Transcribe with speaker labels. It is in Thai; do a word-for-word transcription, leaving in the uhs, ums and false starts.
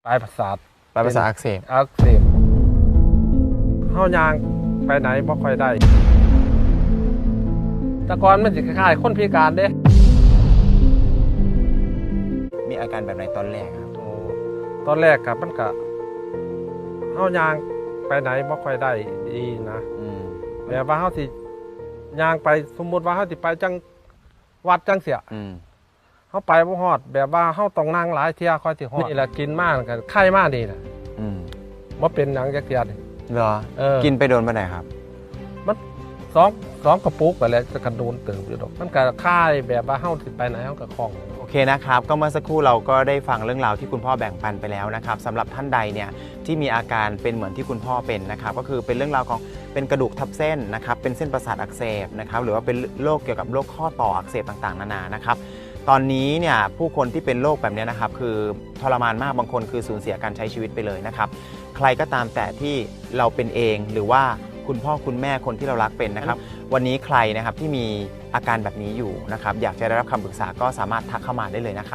Speaker 1: ปลายประสาท
Speaker 2: ปลายประสาทอักเสบ
Speaker 1: อักเสบเฮายางไปไหนบ่ค่อยได้แต่ก่อนมันสิคล้ายๆคนพิการเด้
Speaker 2: มีอาการแบบไหนตอนแรกครับ
Speaker 1: โอ้ตอนแรกกับมันก็เฮายางไปไหนบ่ค่อยได้ดีนะแบบว่าเฮาสิยางไปสมมุติว่าเฮาสิไปจังวัดจังเสียเฮาไปบ่ฮอดแบบว่าเฮาต้องนั่งหลายเที่ยค่อยสิฮอดนี่แหละกินมากกันไข้มากนี่น่ะอืมบ่เป็นหยังจักเที่ยนี่
Speaker 2: เหรอกินไปโดนปานใดครับ
Speaker 1: มันสองสองกระปุกไปแล้วจะกระโดนเติมอยู่ดอกมันก็คล้ายแบบว่าเฮาสิไปไหนเฮาก็คล่อง
Speaker 2: โอเคนะครับก็เมื่อสักครู่เราก็ได้ฟังเรื่องราวที่คุณพ่อแบ่งปันไปแล้วนะครับสำหรับท่านใดเนี่ยที่มีอาการเป็นเหมือนที่คุณพ่อเป็นนะครับก็คือเป็นเรื่องราวของเป็นกระดูกทับเส้นนะครับเป็นเส้นประสาทอักเสบนะครับหรือว่าเป็นโรคเกี่ยวกับโรคข้อต่ออักเสบต่างๆนานานะครับตอนนี้เนี่ยผู้คนที่เป็นโรคแบบนี้นะครับคือทรมานมากบางคนคือสูญเสียการใช้ชีวิตไปเลยนะครับใครก็ตามแต่ที่เราเป็นเองหรือว่าคุณพ่อคุณแม่คนที่เรารักเป็นนะครับวันนี้ใครนะครับที่มีอาการแบบนี้อยู่นะครับอยากจะได้รับคำปรึกษาก็สามารถทักเข้ามาได้เลยนะครับ